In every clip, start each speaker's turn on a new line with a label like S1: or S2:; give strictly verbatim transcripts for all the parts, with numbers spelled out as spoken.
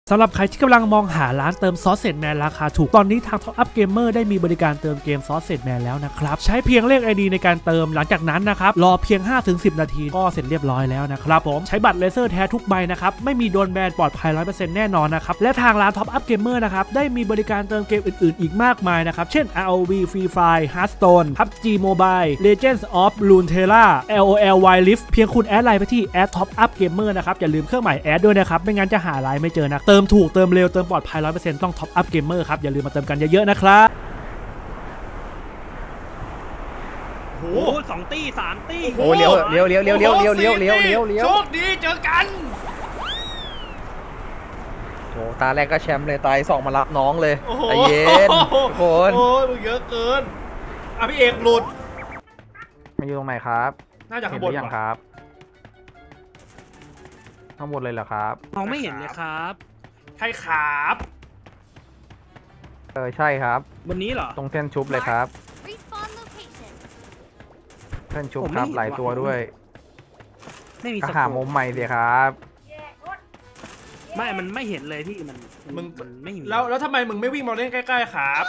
S1: สำหรับใครที่กำลังมองหาร้านเติมซอสเซจแมนราคาถูกตอนนี้ทาง Top Up Gamer ได้มีบริการเติมเกมซอสเซจแมนแล้วนะครับใช้เพียงเลข ไอ ดี ในการเติมหลังจากนั้นนะครับรอเพียง ห้าถึงสิบ นาทีก็เสร็จเรียบร้อยแล้วนะครับผมใช้บัตรเลเซอร์แท้ทุกใบนะครับไม่มีโดนแบนปลอดภัย ร้อยเปอร์เซ็นต์ แน่นอนนะครับและทางร้าน Top Up Gamer นะครับได้มีบริการเติมเกมอื่นๆอีกมากมายนะครับเช่น อาร์ โอ วี Free Fire Hearthstone พับจี Mobile Legends of Runeterra แอล โอ แอล Wild Rift เพียงคุณแอดไลน์ไปที่ แอด Top Up Gamer นะครับอย่าลืมเครื่องหมายแอดด้วยนะครับไม่งั้นจะหาไลน์ไม่เจอนะเติมถูกเติมเร็วเติมปลอดภัย ร้อยเปอร์เซ็นต์ ต้อง Top Up Gamer ครับอย่าลืมมาเติมกันเยอะๆนะครับ
S2: โอ้สองตีสามตี
S3: โอ้เลี้ยวเลี้ยวเลี้ยวเลี้ยวเลี้ยวเลี้ยวเลี้ยวเลี้ยวเลี้ยวเลี้ยว
S2: โชคดีเจอกัน
S3: โอ้ตาแรกก็แชมป์เลยตายสองมารับน้องเลยใจเย็นทุกคน
S2: โอ้ยมึงเยอะเกินอ่ะพี่เอกหลุด
S3: มาอยู่ตรงไหนครับ
S2: น่าจะ
S3: เห็
S2: ข้าน ง
S3: ห
S2: บ
S3: รื
S2: น
S3: อยังครับข้างบนเลยเหรอครับ
S2: มองไม่เห็นเลยครับใช่ครับ
S3: เออใช่ครับ
S2: บนนี้เหรอ
S3: ตรงเส้นชุบเลยครับ
S4: Respawn location.
S3: เส้นชุบครับหลายตัวด้วย
S2: ไม่มี
S3: ก็
S2: ส
S3: หา
S2: โค
S3: มุ
S2: ป
S3: มใหม่สิครับ
S2: ไม่มันไม่เห็นเลยพี่มัน
S5: มึง
S2: มันไม่มี
S5: แล้วแล้วทำไมมึงไม่วิ่งมาเล่นใกล้ๆครับ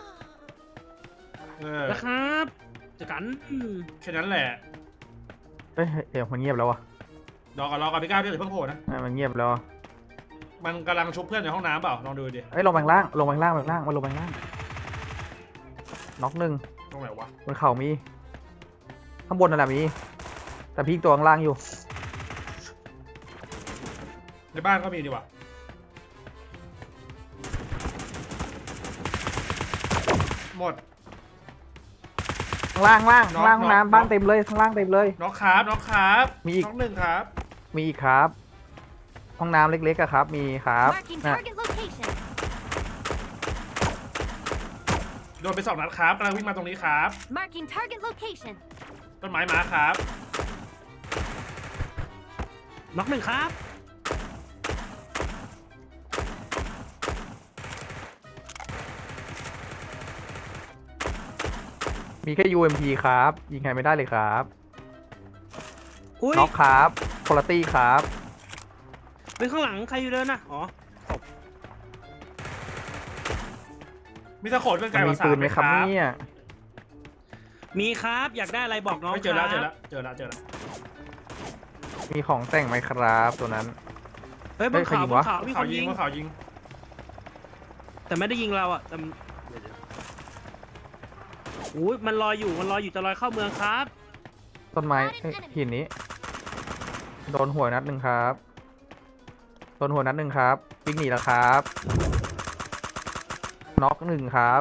S5: เออ
S2: นะครับเจอกัน
S5: แค่นั้นแหละ
S3: เอ้ยเดี๋ยวมันเงียบแล้ววะ
S5: รอก่อนรอก่อนพี่ก้าวพี่อย่าเพิ่งโผล่นะ
S3: อ่ะมันเงียบแล้ว
S5: มันกำลังชุบเพื่อนในห้องน้ำเปล่าลองดูดิ
S3: เอ้ยลงไปข้างล่างลงไปข้างล่างไปข้างล่างมาลงไปข้างล่างน็อกหนึ่ง
S5: ตรงไหนวะ
S3: บนเข่ามีข้างบนนั่นแหละมีแต่พี่ตัวข้างล่างอยู่
S5: ในบ้านก็มีดีกว่าหมด
S3: ข้างล่างล่าง
S5: น็
S3: ข้า
S5: อก
S3: งล่าง
S5: น็อก
S3: น้ำบ้าน
S5: น็อก
S3: เต็มเลยข้างล่างเต็มเลย
S5: น็อกครับน็อกครับ
S3: มีอีก
S5: น็อกหนึ่งครับ
S3: มีอีกครับห้องน้ำเล็กๆอะครับ มีครับ
S4: Marking
S3: นะ
S4: target location.
S5: โดนไปสองนัดครับกำลังวิ่งมาตรงนี้ครับ
S4: Marking target location.
S5: ต้นไม้มาครับ
S2: น็อกหนึ่งครับ
S3: มีแค่ ยู เอ็ม พี ครับ ยิงใครไม่ได้เลยครับ
S2: อุ้ย
S3: น็อกครับคุณภาพครับ
S2: เป็นข้างหลังใครอยู่เดินนะอ๋อ
S5: มีตะโขนเป็นไก
S3: มัน
S5: ลก
S3: มี
S5: ว่าสา
S3: ปื
S5: ม
S3: นไหมครับเนี่ย
S2: มีครับอยากได้อะไรบอกน้อง
S5: ไม่เจอแล้ว
S2: ค
S5: เจ
S2: รั
S5: อบ แล้วเจอแล้วเจอแล้ว
S3: มีของแต่งไหมครับตัวนั้น
S2: เฮ้ยบ
S3: เฮ้
S2: น
S3: ยใคร
S2: เขา
S3: ยิง
S2: บ
S3: วะ
S2: นเขามีค
S5: เขา
S2: น
S5: ยิ
S2: ยิ
S5: ง
S2: ง
S5: ว่าเขายิง
S2: แต่ไม่ได้ยิงเราอ่ะแต่อุ้ยมันลอยอยู่มันลอยอยู่จะลอยเข้าเมืองครับ
S3: ต้นไม้เอ้ยหินนี้ โดนหัวนัดหนึ่งครับ โดนหัวนัดหนึ่งครับวิ่งหนีแล้วครับ น็อกหนึ่งครับ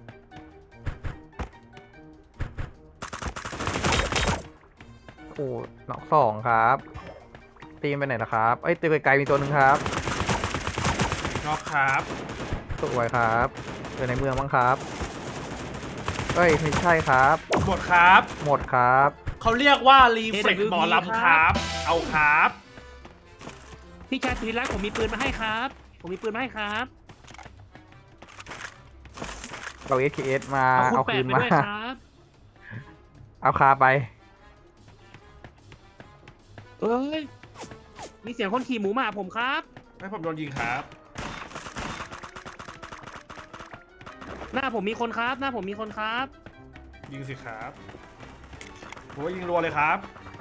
S3: โอ้น็อกสองครับ ตีมไปไหนล่ะครับ เอ้ยตีไกลๆมีตัวหนึ่งครับ
S5: น็อกครับ
S3: สวยครับเจอในเมืองบ้างครับ เอ้ยไม่ใช่ครับ
S5: หมดครับ
S3: หมดครับ
S5: เขาเรียกว่ารีเฟล็กหมอลำครับ เอาครับ
S2: พี่ชายสุริรัตน์ผมมีปืนมาให้ครับ ผมมีปืนมาให้ครับ
S3: เรา เอส เค เอส มา
S2: เอา
S3: เอา
S2: คุณแป
S3: คื
S2: ด
S3: น
S2: ไป
S3: มา
S2: ด้วยครับ
S3: เอาคาไป
S2: เอ้ยมีเสียงคนขี่หมูมาหาผมครับ
S5: ให้ผมโดนยิงครับ
S2: หน้าผมมีคนครับ หน้าผมมีคนครับ
S5: ยิงสิครับโอ้ยยิงรัวเลยครับ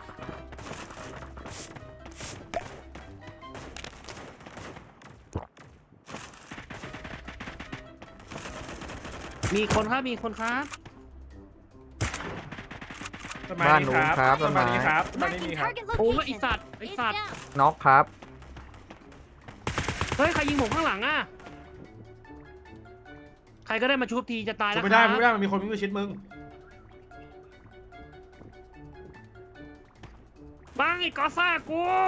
S2: มีคนครับมีคนครับ
S5: ต้นไม้
S3: บ้าน
S5: นี้
S3: นู้
S5: คน รับ
S3: ครับ
S5: ต้นไม้
S3: ต้นไม้
S5: นี้ครับต้นไม้นี้
S4: Marking
S5: มีครับ
S4: target
S2: โอ้ย
S4: location.
S2: ไอสัตว์ไอ
S4: It's
S2: สัตว์
S4: down.
S3: น็อกครับ
S2: เฮ้ยใครยิงผมข้างหลังอ่ะใครก็ได้มาชุบทีจะตาย
S5: ชุ
S2: แล้
S5: บ
S2: ว
S5: ไม่
S2: ค
S5: ได้
S2: รับ
S5: ชุบไม่ได้มันมีคนวิ่งไปชิดมึง
S2: บ้างไอ้กอซ่ากู
S4: It's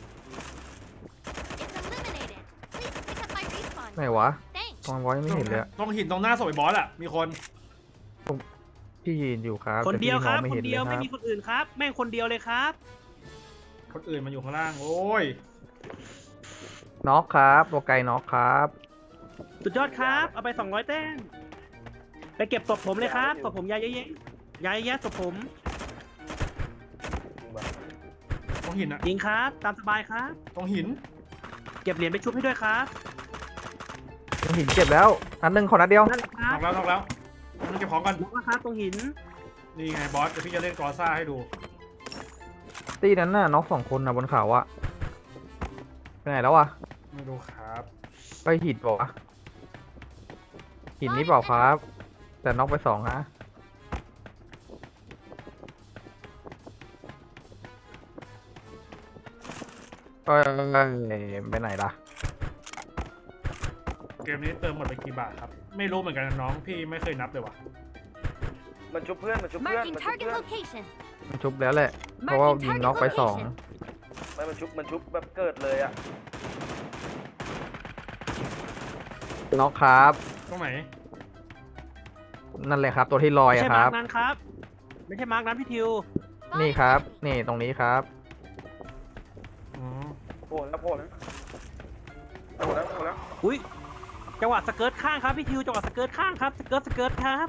S4: eliminated. Please pick up my respawn.
S3: ไหนวะ
S4: Thanks.
S3: ตอนไว้ไม่เห็นเลยอะ
S5: ตรงหินตรงหน้าศพไอ้บอสอะมีคน
S3: ที่ยืนอยู่ครับ
S2: คนเดียว
S3: แต่
S2: ครับ
S3: พี่มองไม่
S2: ค
S3: เห็
S2: น
S3: น
S2: เดียว
S3: ล
S2: ไม่
S3: รับ
S2: มีคนอื่นครับ แม่งคนเดียวเลยครับ
S5: คนอื่นมันอยู่ข้างล่าง โอ้ย
S3: น็อกครับตัวไกลน็อกครับ
S2: สุดยอดครับเอาไปสองร้อยแต้มไปเก็บศพผมเลยครับศพผมยายเยอะๆยายแยะศพผม
S5: ตรงหินอะ
S2: ยิงครับตามสบายครับ
S5: ตรงหิน
S2: เก็บเหรียญไปชุบให้ด้วยครับ
S3: ตรงหินเจ็บแล้วนัดหนึ่งขอนัดเดียว
S2: นั่นแหละค
S5: น็
S2: รั
S5: อบ กแล้วน็อกแล้วต้องเก็บของก่อน
S2: น็อกแล้วครับตรงหิน
S5: นี่ไงบอสเดี๋ยวพี่จะเล่นกอซ่าให้ดู
S3: ตีนั้นน่ะน็อกสองคนนะบนเขาอะไปไหนแล้วอะ
S5: ไม่ดูครับ
S3: ไปหินเปล่าวะหินนี้เปล่าครับ แต่น็อกไปสองฮะเอ้ยไปไหนล่ะ
S5: เกมนี้เติมหมดไปกี่บาทครับไม่รู้เหมือนกันนะน้องพี่ไม่เคยนับเลยว่ะ
S6: มันชุบเพื่อน มันชุบเพื่อน
S4: Marking
S6: มันชุบ
S4: target
S6: เพื่อน
S4: location.
S3: มันชุบแล้วแหละ เพราะว่า
S4: Marking
S3: ยิง
S4: target
S3: น็อกไปสอง
S4: location.
S6: ไม่มันชุบ มันชุบแบบเกิดเลยอ่ะ
S3: น็อกครับ
S5: ตรงไหน
S3: นั่นเลยครับ ตัวที่ลอย
S2: ไม่
S3: อะ
S2: ใช่
S3: ค
S2: มา
S3: รั
S2: ร์
S3: บ
S2: กนั้นครับ ไม่ใช่มาร์กนั้นพี่ทิว
S3: นี่ครับ นี่ตรงนี้ครับ
S5: อ๋อ
S6: โผล่แล้วโผล่แล้วโผล่แล้วโผล่แล้ว
S2: อุ้ยจังหวะสเกิร์ตข้างครับพี่ทิวจังหวะสเกิร์ตข้างครับสเกิร์ตสเกิร์ตครับ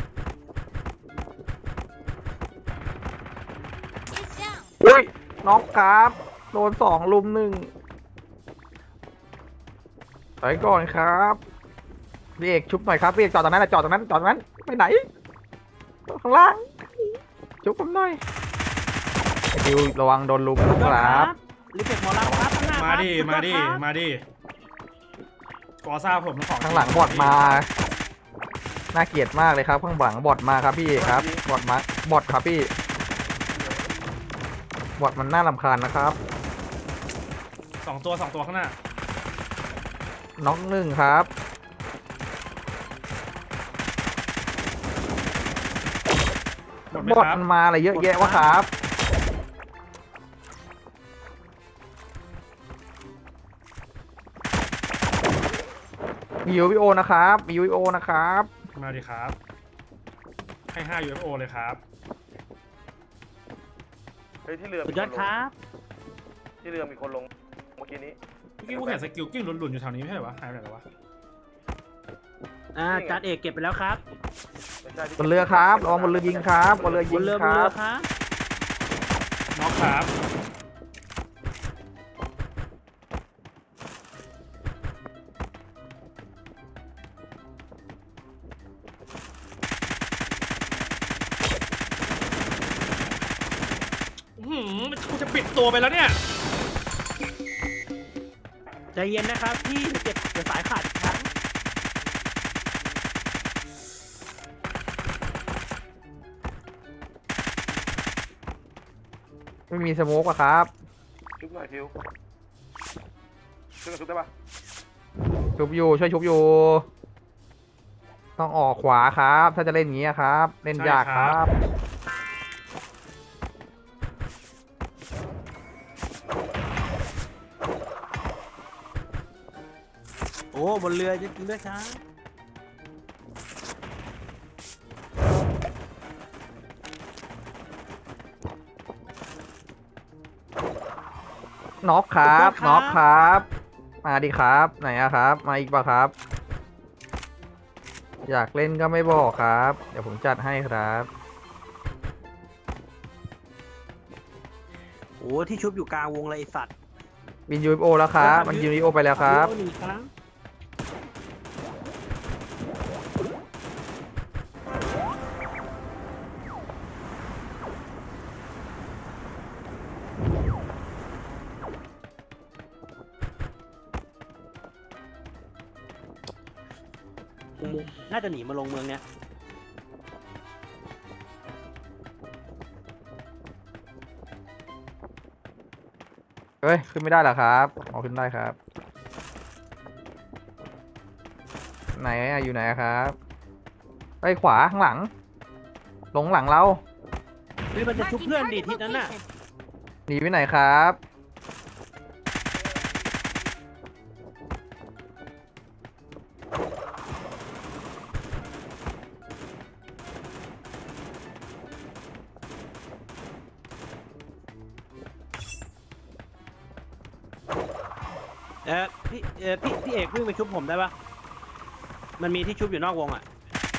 S4: Is down.
S3: อุ้ยน็อกครับ โดนสองลุมหนึ่งไปก่อนครับพี่เอกชุบหน่อยครับพี่เอกจอดตรงนั้นนะจอดตรงนั้นจอดตรงนั้นไปไหนข้างล่างชุบผมหน่อยไอดิวระวังโดนลุมนะครับ
S2: รีเฟกหมอลำครับข้างหน้า
S5: มาดิ
S2: ครับ
S5: มาดิ
S2: สุยอครับ
S5: มาดิกอซ่าผมของ
S3: ข้างหลังบอดมาน่าเกลียดมากเลยครับ ข้างหลังบอดมาครับพี่เอกครับบอดมาบอดครับพี่บอดมันน่ารำคาญนะครับ
S5: สองตัวสองตัวข้างหน้า
S3: น็อกหนึ่งครับ
S5: หมดไหม
S3: บอด
S5: ครับ
S3: มันมาอะไรเยอะแยะวะครับมียูวีโอนะครับมียูวีโอนะครับ
S5: มาดิครับ ให้ห้า ยู เอฟ โอ เลยครับ
S6: เฮ้ยที่เรือ
S2: สุ
S6: มี
S2: ดยอด
S6: นลง
S2: ครับ
S6: ที่เรือมีคนลงเมื่อกี้นี้
S5: เมื่อกี้กูเห็นสกิลกิ้งหลุนๆอยู่แถวนี้ไม่ใช่เหรอวะหายไปไหนแล้ววะ
S2: อ่าจานเอกเก็บไปแล้วครับ
S6: ไม่ใช่ที่
S3: บนเรือครับระวังบนเรือยิงครับบนเรือบ ยิ
S2: น
S3: ง
S2: เรือบ
S3: คน
S2: เรื
S3: รั
S2: อบ ครับ
S5: น็อกครับอื้อหืมกูจะปิดตัวไปแล้วเนี่ย
S2: ใจเย็นนะครับพี่เก็บเดี๋ยวสายขาดอีกครั้ง
S3: ไม่มีสโมกอะครับ
S6: ชุบหน่อยทิวช่วยกันชุบได้ปะ
S3: ชุบอยู่ช่วยชุบอยู่ ต้องออกขวาครับ ถ้าจะเล่นอย่างนี้ครับ เล่นยากครับ
S2: โอ้บนเรือจริงๆด้วยครับ
S3: น็อกครับน็อกครับ มาดิครับไหนอะครับ มาอีกปะครับ อยากเล่นก็ไม่บอกครับ เดี๋ยวผมจัดให้ครับ
S2: โอ้ที่ชุบอยู่กลางวงเลยไอสัตว์
S3: บินยูโอแล้วครับ มันยูโอไปแล้วครับ
S2: หนึ่งครั้งน่าจะหนีมาลงเมืองเนี้ย
S3: เฮ้ย ขึ้นไม่ได้เหรอครับอ๋อขึ้นได้ครับ ไหนอะอยู่ไหนอะครับไปขวาข้างหลัง ลงหลังเรา
S2: เฮ้ยมันจะชุบ
S4: Marking
S2: เพื่อนดี
S4: target
S2: ทิศนั้นน่ะ
S4: location.
S3: หนีไปไหนครับ
S2: เออพี่เออพี่พี่เอกวิ่งไปชุบผมได้ปะมันมีที่ชุบอยู่นอกวงอ่ะ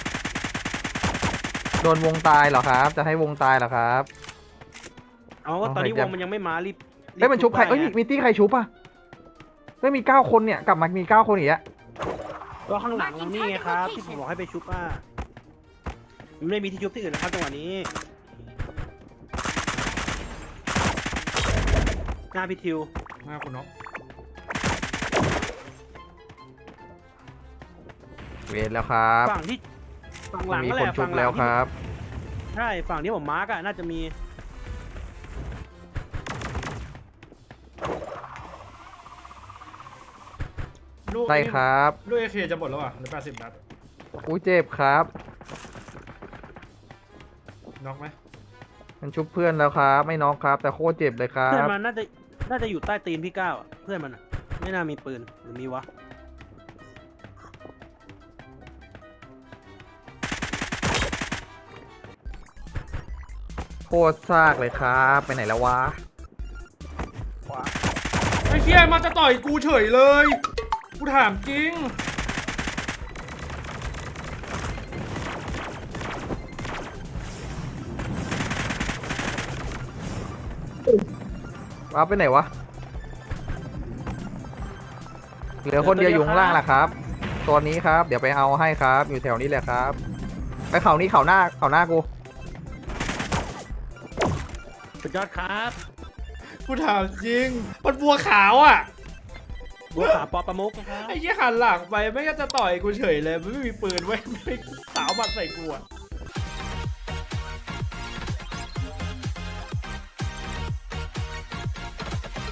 S3: โดนวงตายเหรอครับ จะให้วงตายเหรอครับ
S2: เอาก็ตอนนี้
S3: เอา
S2: ว
S3: ไป
S2: งมันยังไม่มารีบ
S3: เฮ้ยมันชุบใคร
S2: ได้
S3: เอ้ย
S2: ไง
S3: มีตี้ใครชุบอ่ะเฮ้ยมีเก้าคนเนี่ย กลับมามีเก้าคนอีกอะ
S2: ก็ข้างหลังเรานี่ไงครับที่ผมบอกให้ไปชุบอ่ะมันไม่มีที่ชุบที่อื่นนะครับจังหวะนี้หน้าพี่ทิว
S5: หน้าคุณน็อก
S3: เวทแล้วครับ
S2: ฝั่งที่ฝั่งหลัง
S3: มี
S2: นั่น
S3: ค
S2: แห
S3: น
S2: ละ
S3: ชุ
S2: ฝั่
S3: บ
S2: งหลั
S3: แล้
S2: ง
S3: ว
S2: ที่
S3: ครับ
S2: ใช่ฝั่งที่ผมมาร์กอะน่าจะมี
S5: ลูก
S3: ได้ครับ
S5: ลูกเอเคจะหมดแล้วอ่ะเหลือแปดสิบนัด
S3: อุ้ยเจ็บครับ
S5: น็อกไหม
S3: มันชุบเพื่อนแล้วครับ ไม่น็อกครับ แต่โคตรเจ็บเลยครั
S2: เพื่อน
S3: บ
S2: มันน่าจะน่าจะอยู่ใต้ตีนพี่ก้าวอะเพื่อนมันอะไม่น่ามีปืนหรือมีวะ
S3: โคตรซากเลยครับ ไปไหนแล้ววะ
S6: ขวา
S5: ไอ้เคียมาจะต่อยกูเฉยเลย กูถามจริง
S3: ว้าวไปไหนวะ เหลือคนเดียวอยู่ข้างล่างแหละครับ ตัวนี้ครับ เดี๋ยวไปเอาให้ครับ อยู่แถวนี้แหละครับ ไปเขานี้เขาหน้าเขาหน้ากู
S2: สุดยอดครับ
S5: กูถามจริง มันบัวขาวอ่ะ
S2: บัวขาวปอประมุกนะครับ
S5: ไอ้เหี้ยหันหลังไปไม่ก็จะต่อยกูเฉยเลยมันไม่มีปืนไว้ยไม่สาวมาใส่กูอ่ะ